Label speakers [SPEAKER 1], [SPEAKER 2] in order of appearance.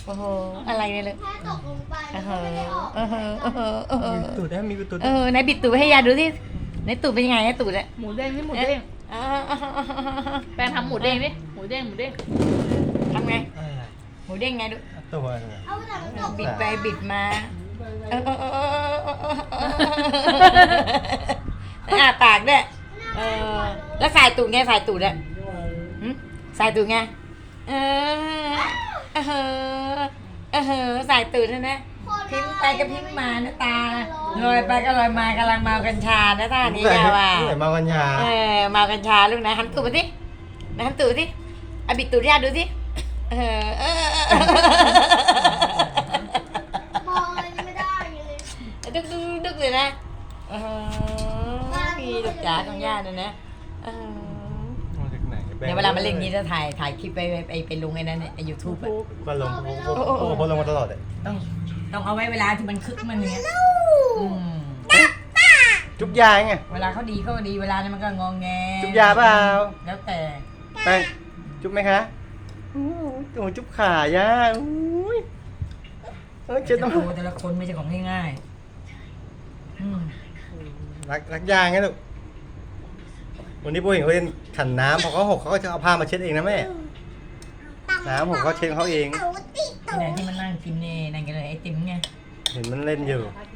[SPEAKER 1] โอ้โหอะไรเนี่ยเลย
[SPEAKER 2] แค่ตกลงไป
[SPEAKER 1] เอ
[SPEAKER 2] มันก็ไม่ได้ออก
[SPEAKER 1] อ
[SPEAKER 3] มีตูดได้มีตูด
[SPEAKER 1] ไหนบิดตูดให้ยาดูสิไหนตูดเป็นยังไงตูดอะ
[SPEAKER 4] หมูเด้งนี่หมูเด้งแปลงทำหมูเด้งดิหมูเด้งหมูเด้ง
[SPEAKER 1] ทำไง
[SPEAKER 3] อะไร
[SPEAKER 1] หมูเด้งไงดู
[SPEAKER 3] ตัวอะไร
[SPEAKER 2] เอาแต่มันตก
[SPEAKER 1] บิดไปบิดมาอ้าปากด้วยแล้วสายตูดไงสายตูดอะสายตูดไงสายตูดนะพิมพ์ไปก็พิมพ์มานะตาลอยไปก็ลอยมากำลังเมากัญชานะท่านี้ยาวอ่ะ
[SPEAKER 3] เหมือนเมากัญชา
[SPEAKER 1] เมากัญชาลูกนะหันตูดมาสินะหันตูดสิเอาบิดตูดย่าดูสิ
[SPEAKER 2] มองอะไรไม่ได้เลย
[SPEAKER 1] ดึกเลยนะมีลูกจ๋าของย่าเนี่ยนะ
[SPEAKER 3] มาจากไหน
[SPEAKER 1] เดี๋ยวเวลามาเล่นนี้จะถ่ายคลิปไปลงไอ้นั่นเนี่ยยูทูบ
[SPEAKER 3] ก็ลงโพลงมาตลอดเลย
[SPEAKER 1] ต้องเอาไว้เวลาที่มันคึกมันอย่างเงี้ย
[SPEAKER 3] จุ๊บยาไง
[SPEAKER 1] เวลาเขาดีเวลานั้นมันก็งองแง
[SPEAKER 3] จุ๊บยาเปล่า
[SPEAKER 1] แล้วแต่
[SPEAKER 3] ไปจุ๊บไหมคะโอ้โหจุ๊บขาย่าอุ้ยเช็ด
[SPEAKER 1] โอ้
[SPEAKER 3] น้ำ
[SPEAKER 1] โหแต่ละคนไม่ใช่ของง่ายๆ
[SPEAKER 3] รักยาไงลูกวันนี้พวกเห็นเขาเล่นขันน้ำพอเขาหกเขาก็จะเอาผ้ามาเช็ดเองนะแม่น้ำหกเขาเช็ดเขาเอง
[SPEAKER 1] ที่ไหนที่มันนั่งกินเนี่ยนั่นกันเลยไอติมไง
[SPEAKER 3] เห็นมันเล่นอยู่